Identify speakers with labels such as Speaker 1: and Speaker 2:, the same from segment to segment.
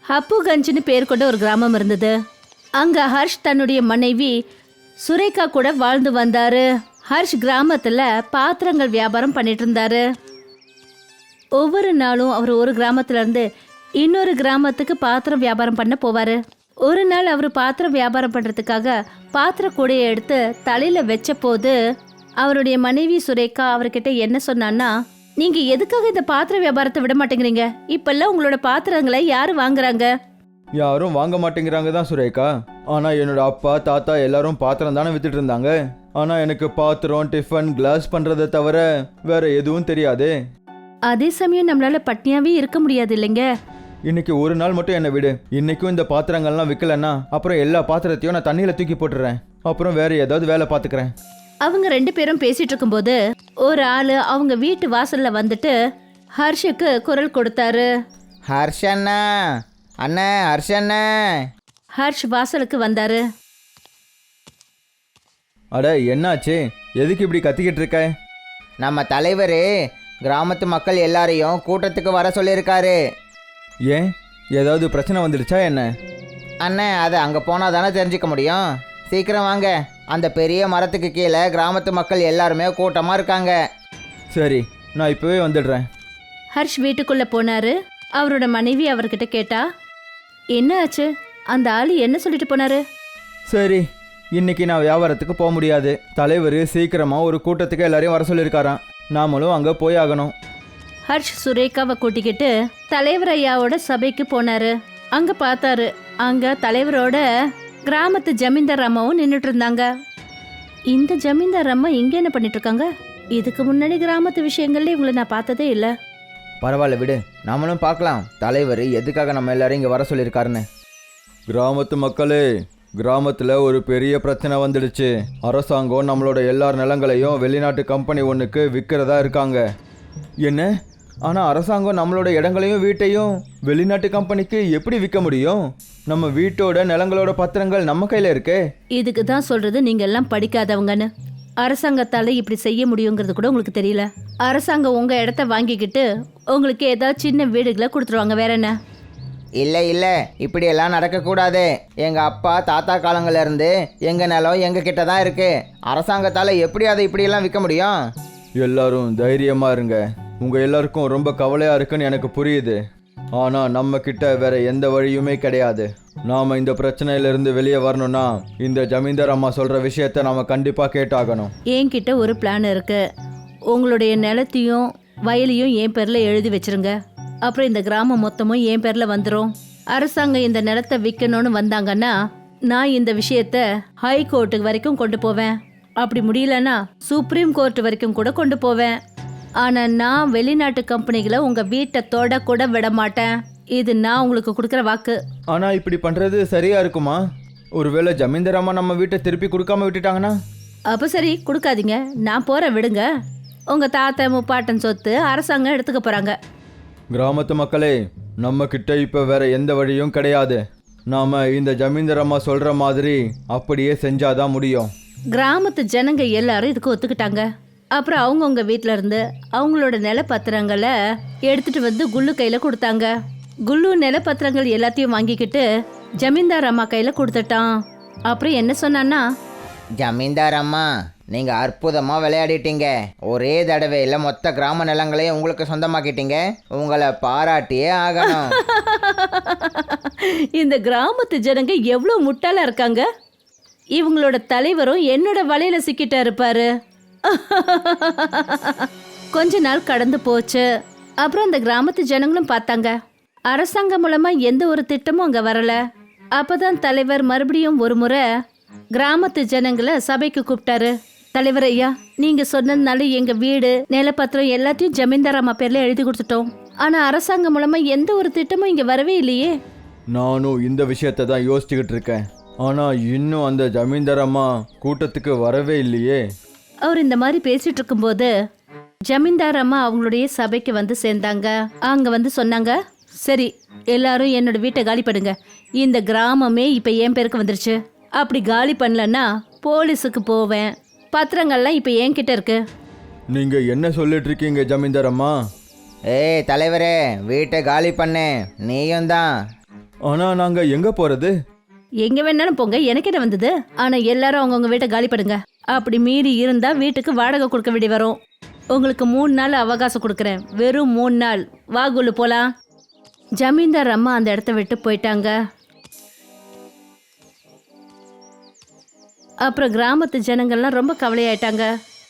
Speaker 1: ஹப்புகஞ்சுன்னு பேர் கொண்ட ஒரு கிராமம் இருந்தது. அங்க ஹர்ஷ் தன்னுடைய மனைவி சுரேகா கூட வாழ்ந்து வந்தாரு. ஹர்ஷ் கிராமத்துல பாத்திரங்கள் வியாபாரம் பண்ணிட்டு இருந்தாரு. ஒவ்வொரு நாளும் அவர் ஒரு கிராமத்துல இருந்து இன்னொரு கிராமத்துக்கு பாத்திரம் வியாபாரம் பண்ண போவாரு. ஒரு நாள் அவர் பாத்திரம் வியாபாரம் பண்றதுக்காக பாத்திர கூடையை எடுத்து தலையில வச்ச போது அவருடைய மனைவி சுரேகா அவர்கிட்ட என்ன சொன்னான்னா, நீங்க எதுக்காக இந்த பாத்திர வியாபாரத்தை விட மாட்டேங்கிறீங்க? இப்பெல்லாம் உங்களோட பாத்திரங்களை யாரு வாங்குறாங்க?
Speaker 2: யாரும் வாங்க மாட்டேங்கிறாங்க தான் சுரேகா. ஆனால் என்னோட அப்பா தாத்தா எல்லாரும் பாத்திரம் தானே வித்துட்டு இருந்தாங்க. ஆனால் எனக்கு பாத்திரம் டிஃபன் கிளாஸ் பண்ணுறதை தவிர வேற எதுவும் தெரியாது.
Speaker 1: அதே சமயம் நம்மளால பட்னியாவே இருக்க முடியாது இல்லைங்க.
Speaker 2: இன்னைக்கு ஒரு நாள் மட்டும் என்னை விடு. இன்னைக்கும் இந்த பாத்திரங்கள்லாம் விற்கலன்னா அப்புறம் எல்லா பாத்திரத்தையும் நான் தண்ணியில் தூக்கி போட்டுறேன். அப்புறம் வேற ஏதாவது வேலை பார்த்துக்கிறேன்.
Speaker 1: அவங்க 2 பேரும் பேசிட்டு இருக்கும்போது ஒரு ஆளு அவங்க வீட்டு வாசல்ல வந்துட்டு ஹர்ஷுக்கு குரல் கொடுத்தாரு.
Speaker 3: ஹர்ஷண்ணா, அண்ணா ஹர்ஷண்ணா.
Speaker 1: ஹர்ஷ் வாசலுக்கு வந்தாரு.
Speaker 2: அட என்னாச்சு? எதுக்கு இப்படி கத்திக்கிட்டு இருக்க?
Speaker 3: நம்ம தலைவர் கிராமத்து மக்கள் எல்லாரையும் கூட்டத்துக்கு வர சொல்லியிருக்காரு.
Speaker 2: ஏன் ஏதாவது பிரச்சனை வந்துடுச்சா என்ன?
Speaker 3: அண்ணே, அது அங்கே போனால் தானே தெரிஞ்சுக்க முடியும். சீக்கிரம் வாங்க. அந்த பெரிய மரத்துக்கு கீழே கிராமத்து மக்கள் எல்லாருமே கூட்டமாக இருக்காங்க.
Speaker 2: சரி, நான் இப்போவே வந்துடுறேன்.
Speaker 1: ஹர்ஷ் வீட்டுக்குள்ள போனாரு. அவரோட மனைவி அவர்கிட்ட கேட்டா, என்ன ஆச்சு? அந்த ஆளு என்ன சொல்லிட்டு போனாரு?
Speaker 2: சரி, இன்னைக்கு நான் வியாபாரத்துக்கு போக முடியாது. தலைவர் சீக்கிரமாக ஒரு கூட்டத்துக்கு எல்லாரையும் வர சொல்லியிருக்காராம். நாமளும் அங்கே போய் ஆகணும்.
Speaker 1: ஹர்ஷ் சுரேகாவை கூட்டிக்கிட்டு தலைவர் ஐயாவோட சபைக்கு போனாரு. அங்க பார்த்தாரு, அங்க தலைவரோட கிராமத்து ஜமீன்தார் அம்மாவும் நின்றுட்டு இருந்தாங்க. இந்த ஜமீன்தார் அம்மா இங்க என்ன பண்ணிட்டு இருக்காங்க? இதுக்கு முன்னாடி கிராமத்து விஷயங்கள்ல இவங்களை நான் பார்த்ததே இல்லை.
Speaker 3: பரவாயில்ல விடு, நம்மளும் பார்க்கலாம் தலைவர் எதுக்காக நம்ம எல்லாரும் இங்கே வர சொல்லியிருக்காருன்னு.
Speaker 2: கிராமத்து மக்களே, கிராமத்தில் ஒரு பெரிய பிரச்சனை வந்துடுச்சு. அரசாங்கம் நம்மளோட எல்லார் நிலங்களையும் வெளிநாட்டு கம்பெனி ஒன்றுக்கு விற்கிறதா இருக்காங்க. என்ன? ஆனால் அரசாங்கம் நம்மளோட இடங்களையும் வீட்டையும் வெளிநாட்டு கம்பெனிக்கு எப்படி விற்க முடியும்? நம்ம வீட்டோட நிலங்களோட பத்திரங்கள் நம்ம கையில் இருக்கே.
Speaker 1: இதுக்கு தான் சொல்றது நீங்க எல்லாம் படிக்காதவங்கன்னு. அரசாங்கத்தால இப்படி செய்ய முடியுங்கிறது கூட உங்களுக்கு தெரியல. அரசாங்கம் உங்க இடத்த வாங்கிக்கிட்டு உங்களுக்கு ஏதாவது சின்ன வீடுகளை கொடுத்துருவாங்க, வேற என்ன?
Speaker 3: இல்லை இல்லை, இப்படியெல்லாம் நடக்கக்கூடாது. எங்கள் அப்பா தாத்தா காலங்கள்லேருந்து எங்கள் நிலம் எங்கள் கிட்ட தான் இருக்குது. அரசாங்கத்தால் எப்படி அதை இப்படியெல்லாம் விற்க முடியும்?
Speaker 2: எல்லாரும் தைரியமாக இருங்க. உங்கள் எல்லாருக்கும் ரொம்ப கவலையாக இருக்குன்னு எனக்கு புரியுது. ஆனால் நம்ம கிட்ட வேற எந்த வழியுமே கிடையாது. நாம் இந்த பிரச்சனையிலிருந்து வெளியே வரணும்னா இந்த ஜமீன்தார் அம்மா சொல்கிற விஷயத்த நாம் கண்டிப்பாக கேட்டாகணும்.
Speaker 1: என்கிட்ட ஒரு பிளான் இருக்கு. உங்களுடைய நிலத்தையும் வயலையும் என் பேரில் எழுதி வச்சிருங்க. அப்புறம் இந்த கிராமம் மொத்தமும் என் பேரில் வந்துடும். அரசாங்கம் இந்த நிலத்தை விற்கணும்னு வந்தாங்கன்னா நான் இந்த விஷயத்த ஹை கோர்ட்டுக்கு வரைக்கும் கொண்டு போவேன். அப்படி முடியலன்னா சுப்ரீம் கோர்ட் வரைக்கும் கூட கொண்டு போவேன். ஆனால் நான் வெளிநாட்டு கம்பெனிகளை உங்கள் வீட்டை தொட கூட விட மாட்டேன். இது நான் உங்களுக்கு கொடுக்குற வாக்கு.
Speaker 2: ஆனால் இப்படி பண்ணுறது சரியாக இருக்குமா? ஒருவேளை ஜமீன்தார் அம்மா நம்ம வீட்டை திருப்பி கொடுக்காம விட்டுட்டாங்கன்னா?
Speaker 1: அப்போ சரி, கொடுக்காதீங்க, நான் போகிறேன், விடுங்க. உங்கள் தாத்தா முப்பாட்டன் சொத்து அரசாங்கம் எடுத்துக்க போகிறாங்க.
Speaker 2: கிராமத்து மக்களே, நம்ம கிட்ட இப்போ வேற எந்த வழியும் கிடையாது. நாம் இந்த ஜமீன்தார் அம்மா சொல்கிற மாதிரி அப்படியே செஞ்சாதான் முடியும்.
Speaker 1: கிராமத்து ஜனங்க எல்லாரும் இதுக்கு ஒத்துக்கிட்டாங்க. அப்புறம் அவங்கவுங்க வீட்டில இருந்து அவங்களோட நிலப்பத்திரங்களை எடுத்துட்டு வந்து குல்லு கையில கொடுத்தாங்க. குல்லு நிலப்பத்திரங்கள் எல்லாத்தையும் வாங்கிக்கிட்டு ஜமீன்தார் அம்மா கையில கொடுத்துட்டான். அப்புறம் என்ன சொன்னான்னா,
Speaker 3: ஜமீன்தார் அம்மா, நீங்கள் அற்புதமாக விளையாடிட்டீங்க. ஒரே தடவையில் மொத்த கிராம நிலங்களையும் உங்களுக்கு சொந்தமாக்கிட்டீங்க. உங்களை பாராட்டியே ஆகணும்.
Speaker 1: இந்த கிராமத்து ஜனங்க எவ்வளோ முட்டாளா இருக்காங்க. இவங்களோட தலைவரும் என்னோட வலையில சிக்கிட்டா இருப்பாரு. கொஞ்ச நாள் கடந்து போச்சு. அப்புறம் அந்த கிராமத்து ஜனங்களும் பார்த்தாங்க, அரசாங்கம் மூலமா எந்த ஒரு திட்டமும் அங்க வரல. அப்பதான் தலைவர் மறுபடியும் ஒரு முறை கிராமத்து ஜனங்களை சபைக்கு கூப்பிட்டாரு. தலைவர் ஐயா, நீங்க சொன்னதுனால எங்க வீடு நிலப்பத்திரம் எல்லாத்தையும் ஜமீன்தார் அம்மா பேர்ல எழுதி கொடுத்துட்டோம். ஆனா அரசாங்கம் மூலமா எந்த ஒரு திட்டமும் இங்க வரவே இல்லையே.
Speaker 2: நானும் இந்த விஷயத்தை தான் யோசிச்சுக்கிட்டு இருக்கேன். ஆனால் இன்னும் அந்த ஜமீன்தார் அம்மா கூட்டத்துக்கு வரவே இல்லையே.
Speaker 1: அவர் இந்த மாதிரி பேசிட்டு இருக்கும்போது ஜமீன்தார் அம்மா அவங்களுடைய சபைக்கு வந்து சேர்ந்தாங்க. அங்க வந்து சொன்னாங்க, சரி எல்லாரும் என்னோட வீட்டை காலி பண்ணுங்க. இந்த கிராமமே இப்ப என் பேருக்கு வந்துருச்சு. அப்படி காலி பண்ணலன்னா போலீஸுக்கு போவேன். பத்திரங்கள்லாம் இப்ப என்கிட்ட இருக்கு.
Speaker 2: நீங்க என்ன சொல்லிட்டு இருக்கீங்க ஜமீன்தார் அம்மா?
Speaker 3: ஏய் தலைவரே, வீட்டை காலி பண்ணு. நீயும் தான்.
Speaker 2: ஆனா நாங்க எங்க போறது?
Speaker 1: எங்க வேணாலும் போங்க, எனக்கு என்ன வந்தது. ஆனா எல்லாரும் அவங்கவுங்க வீட்டை காலி பண்ணுங்க. அப்படி மீறி இருந்தா வீட்டுக்கு வாடகை கொடுக்க வேண்டி வரும். உங்களுக்கு 3 நாள் அவகாசம் கொடுக்குறேன். வெறும் 3 நாள். வா குல்லு போலாம். ஜமீன்தார் அம்மா அந்த இடத்த விட்டு போயிட்டாங்க. அப்புறம் கிராமத்து ஜனங்கள்லாம் ரொம்ப கவலையாயிட்டாங்க.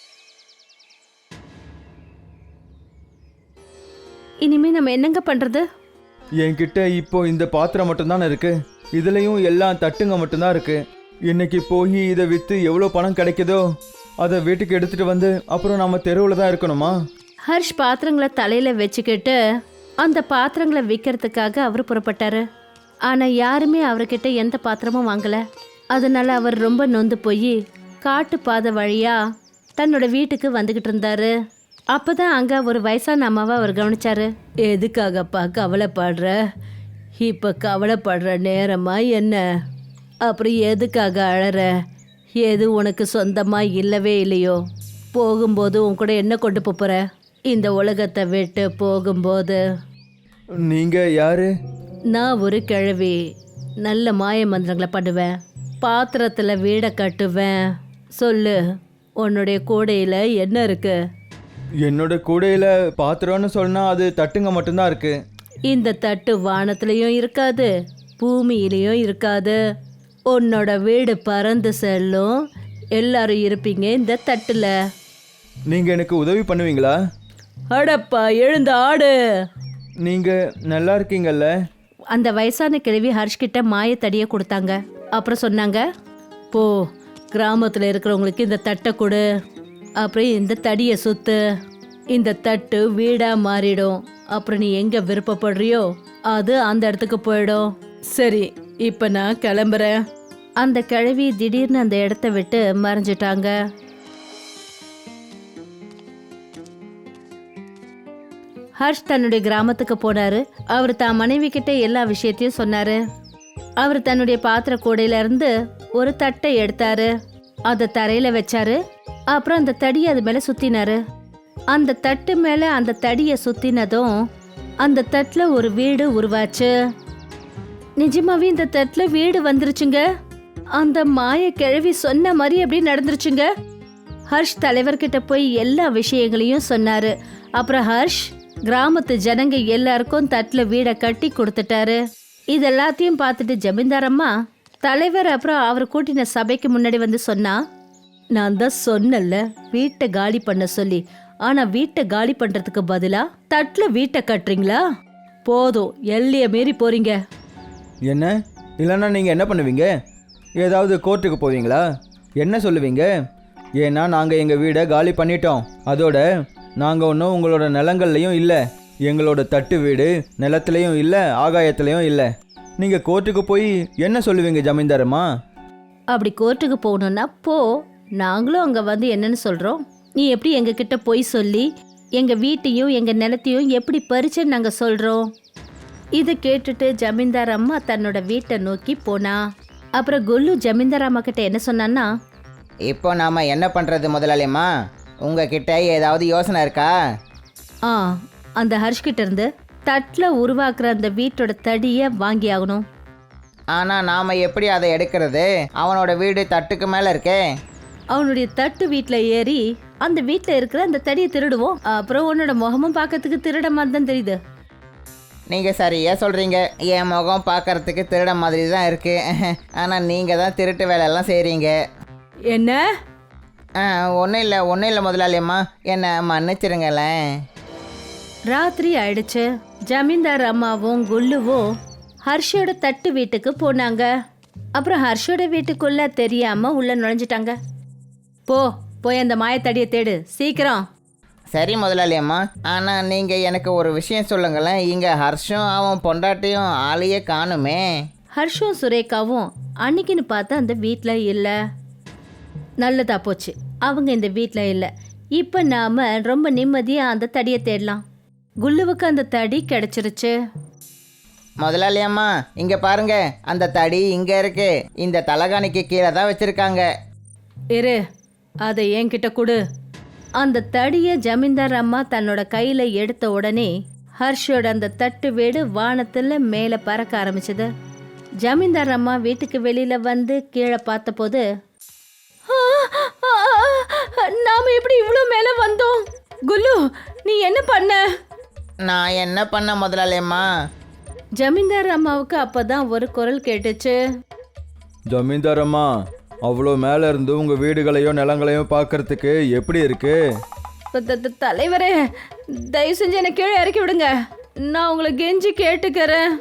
Speaker 1: இனிமே நம்ம என்னங்க பண்றது?
Speaker 2: என்கிட்ட இப்போ இந்த பாத்திரம் மட்டும்தானே இருக்கு. இதுலயும் எல்லாம் தட்டுங்க மட்டும்தான் இருக்கு. இன்னைக்கு போய் இதை வித்து எவ்வளோ பணம் கிடைக்குதோ அதை வீட்டுக்கு எடுத்துட்டு வந்து அப்புறம் நம்ம தெருவில் தான் இருக்கணுமா?
Speaker 1: ஹர்ஷ் பாத்திரங்களை தலையில வச்சுக்கிட்டு அந்த பாத்திரங்களை விற்கிறதுக்காக அவர் புறப்பட்டாரு. ஆனா யாருமே அவர்கிட்ட எந்த பாத்திரமும் வாங்கல. அதனால அவர் ரொம்ப நொந்து போய் காட்டு பாதை வழியா தன்னோட வீட்டுக்கு வந்துகிட்டு இருந்தாரு. அப்பதான் அங்க ஒரு வயசான அம்மாவை அவர் கவனிச்சாரு. எதுக்காகப்பா கவலைப்படுற? இப்ப கவலைப்படுற நேரமா என்ன? அப்புறம் எதுக்காக அழற? எது உனக்கு சொந்தமா இல்லவே இல்லையோ? போகும்போது உன் கூட என்ன கொண்டு போற? இந்த உலகத்தை விட்டு போகும்போது.
Speaker 2: நீங்க யாரு?
Speaker 1: நான் ஒரு கிழவி. நல்ல மாய மந்திரங்களை பண்ணுவேன். பாத்திரத்துல வீடை கட்டுவேன். சொல்லு, உன்னுடைய கூடையில என்ன இருக்கு?
Speaker 2: என்னோட கூடையில பாத்திரம்னு சொன்னா அது தட்டுங்க மட்டும்தான் இருக்கு.
Speaker 1: இந்த தட்டு வானத்திலையும் இருக்காது, பூமியிலையும் இருக்காது. உன்னோட வீடு பறந்து செல்லும். எல்லாரும் இருப்பீங்க இந்த தட்டுல.
Speaker 2: நீங்க எனக்கு உதவி பண்ணுவீங்களா?
Speaker 1: அடப்பா, எழுந்து ஆடு.
Speaker 2: நீங்க நல்லா இருக்கீங்கல்ல?
Speaker 1: அந்த வயசான கிழவி ஹர்ஷ்கிட்ட மாயத்தடியை கொடுத்தாங்க. அப்புறம் சொன்னாங்க, போ கிராமத்தில் இருக்கிறவங்களுக்கு இந்த தட்டை கொடு. அப்புறம் இந்த தடியை சுத்து. இந்த தட்டு வீடா மாறிடும். அப்புறம் நீ எங்க விருப்பப்படுறியோ அது அந்த இடத்துக்கு போயிடும். சரி, இப்ப நான் கிளம்புறேன். அந்த கிழவி திடீர்னு அந்த இடத்த விட்டு மறைஞ்சிட்டாங்க. ஹர்ஷ் தன்னுடைய கிராமத்துக்கு போனாரு. அவர் தான் மனைவி கிட்ட எல்லா விஷயத்தையும் சொன்னாரு. அவர் தன்னுடைய பாத்திர கூடையில இருந்து ஒரு தட்டை எடுத்தாரு. அதை தரையில வச்சாரு. அப்புறம் அந்த தடியை அது மேல சுத்தினாரு. அந்த தட்டு மேல அந்த தடியை சுத்தினதும் அந்த தட்டுல ஒரு வீடு உருவாச்சு. நிஜமாவே இந்த தட்டுல வீடு வந்துருச்சுங்க. அந்த மாய கிழவி சொன்ன மாதிரி அப்படி நடந்துருச்சுங்க. ஹர்ஷ் தலைவர்கிட்ட போய் எல்லா விஷயங்களையும் சொன்னாரு. அப்புறம் ஹர்ஷ் கிராமத்து ஜனங்க எல்லாருக்கும் தட்டுல வீடை கட்டி கொடுத்துட்டாரு. இது எல்லாத்தையும் பார்த்துட்டு ஜமீன்தார் அம்மா தலைவர் அப்புறம் அவர் கூட்டின சபைக்கு முன்னாடி வந்து சொன்னா, நான் தான் சொன்னல வீட்டை காலி பண்ண சொல்லி. ஆனா வீட்டை காலி பண்றதுக்கு பதிலா தட்டுல வீட்டை கட்டுறீங்களா? போதும், எல்லைய மீறி போறீங்க.
Speaker 2: என்ன? இல்லைன்னா நீங்கள் என்ன பண்ணுவீங்க? ஏதாவது கோர்ட்டுக்கு போவீங்களா? என்ன சொல்லுவீங்க? ஏன்னா நாங்கள் எங்கள் வீடை காலி பண்ணிட்டோம். அதோட நாங்கள் ஒன்றும் உங்களோட நிலங்கள்லையும் இல்லை. எங்களோட தட்டு வீடு நிலத்துலையும் இல்லை, ஆகாயத்துலையும் இல்லை. நீங்கள் கோர்ட்டுக்கு போய் என்ன சொல்லுவீங்க ஜமீன்தாரம்மா?
Speaker 1: அப்படி கோர்ட்டுக்கு போகணும்னா போ. நாங்களும் அங்க வந்து என்னன்னு சொல்றோம். நீ எப்படி எங்க கிட்ட போய் சொல்லி எங்க வீட்டையும் எங்க நிலத்தையும் எப்படி பறிச்சேன்னு நாங்க சொல்றோம். இதை கேட்டுட்டு ஜமீன்தார் அம்மா தன்னோட வீட்டை நோக்கி போனா. அப்புறம் குல்லு ஜமீன்தார் அம்மா கிட்ட என்ன சொன்னான்னா,
Speaker 3: இப்போ நாம என்ன பண்றது முதலாளியம்மா? உங்ககிட்ட ஏதாவது யோசனை இருக்கா?
Speaker 1: ஆ அந்த ஹர்ஷ் கிட்ட இருந்து தட்டுல உருவாக்குற அந்த வீட்டோட தடியை வாங்கி ஆகணும்.
Speaker 3: ஆனால் நாம் எப்படி அதை எடுக்கிறது? அவனோட வீடு தட்டுக்கு மேலே இருக்கே.
Speaker 1: அவனுடைய தட்டு வீட்டில் ஏறி அந்த வீட்டில் இருக்கிற அந்த தடியை திருடுவோம். அப்புறம் உன்னோட முகமும் பார்க்கறதுக்கு திருட மாதிரி தான் தெரியுது.
Speaker 3: நீங்கள் சரியாக சொல்கிறீங்க. என் முகம் பார்க்கறதுக்கு திருட மாதிரி தான் இருக்குது. ஆனால் நீங்கள் தான் திருட்டு வேலையெல்லாம் செய்கிறீங்க.
Speaker 1: என்ன?
Speaker 3: ஒன்றும் இல்லை முதலாளியம்மா, என்னை மன்னிச்சிருங்களேன்.
Speaker 1: ராத்திரி ஆயிடுச்சு. ஜமீன்தார் அம்மாவும் குல்லுவும் ஹர்ஷோட தட்டு வீட்டுக்கு போனாங்க. அப்புறம் ஹர்ஷோட வீட்டுக்குள்ள தெரியாம உள்ள நுழைஞ்சிட்டாங்க. போய் அந்த மாயத்தடியை தேடு சீக்கிரம்.
Speaker 3: சரி முதலாளியம்மா, ஆனால் நீங்கள் எனக்கு ஒரு விஷயம் சொல்லுங்களேன். இங்கே ஹர்ஷும் அவன் பொண்டாட்டியும் ஆளையே காணுமே.
Speaker 1: ஹர்ஷும் சுரேகாவும் அன்னைக்குன்னு பார்த்து அந்த வீட்டில் இல்லை. நல்லதா போச்சு, அவங்க இந்த வீட்டில் இல்லை. இப்போ நாம ரொம்ப நிம்மதியாக அந்த தடியை தேடலாம். குல்லுவுக்கு அந்த தடி கிடைச்சிருச்சு.
Speaker 3: முதலாளியம்மா, இங்கே பாருங்க, அந்த தடி இங்கே இருக்கு. இந்த தலகாணிக்கு கீழே தான் வச்சுருக்காங்க.
Speaker 1: இரு, அதை என்கிட்ட கொடு. அந்த தடியை ஜமீன்தார் அம்மா தன்னோட கையில் எடுத்த உடனே ஹர்ஷோட அந்த தட்டு வீடு வானத்தில் மேலே பறக்க ஆரம்பிச்சது. ஜமீன்தார் அம்மா வீட்டுக்கு வெளியில வந்து கீழே பார்த்தபோது நாம எப்படி இவ்வளோ மேல வந்தோம்? குல்லு, நீ என்ன பண்ண?
Speaker 3: நான் என்ன பண்ண முதலாளியம்மா?
Speaker 1: ஜமீன்தார் அம்மாவுக்கு அப்பதான் ஒரு குரல் கேட்டுச்சு.
Speaker 2: ஜமீன்தார் அம்மா, அவ்வளோ மேலே இருந்து உங்கள் வீடுகளையும் நிலங்களையும் பார்க்கறதுக்கு எப்படி இருக்கு?
Speaker 1: தலைவரே, தயவு செஞ்சு என்னை கீழே இறக்கி விடுங்க. நான் உங்களை கெஞ்சி கேட்டுக்கிறேன்.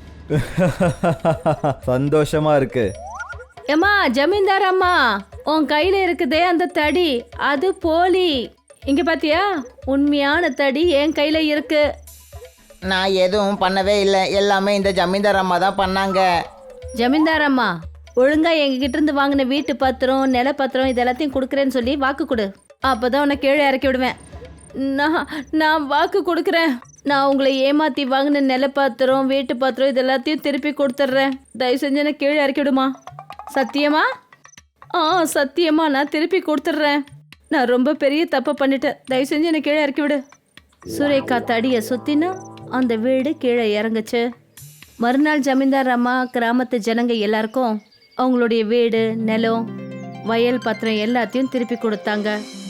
Speaker 2: சந்தோஷமா இருக்கு.
Speaker 1: ஏம்மா ஜமீன்தார் அம்மா, உன் கையில இருக்குதே அந்த தடி, அது போலி. இங்க பாத்தியா, உண்மையான தடி என் கையில இருக்கு.
Speaker 3: நான் எதுவும் பண்ணவே இல்லை, எல்லாமே இந்த ஜமீன்தார் அம்மா தான் பண்ணாங்க.
Speaker 1: ஜமீன்தார் அம்மா, ஒழுங்கா எங்ககிட்ட இருந்து வாங்கின வீட்டு பத்திரம், நில பத்திரம் இது எல்லாத்தையும் கொடுக்குறேன்னு சொல்லி வாக்கு கொடு. அப்பதான் உன்னை கீழே இறக்கி விடுவேன். நான் வாக்கு கொடுக்குறேன். நான் உங்களை ஏமாத்தி வாங்கின நில பத்திரம், வீட்டு பத்திரம் இது எல்லாத்தையும் திருப்பி கொடுத்துட்றேன். தயவு செஞ்சு என்னை கீழே இறக்கி விடுமா? சத்தியமா? சத்தியமா நான் திருப்பி கொடுத்துட்றேன். நான் ரொம்ப பெரிய தப்பை பண்ணிட்டேன். தயவு செஞ்சு என்னை கீழே இறக்கி விடு. சுரேகா தடியை சுத்தினா அந்த வீடு கீழே இறங்குச்சு. மறுநாள் ஜமீன்தார் அம்மா கிராமத்து ஜனங்க எல்லாருக்கும் அவங்களுடைய வீடு, நிலம், வயல் பத்திரம் எல்லாத்தையும் திருப்பி கொடுத்தாங்க.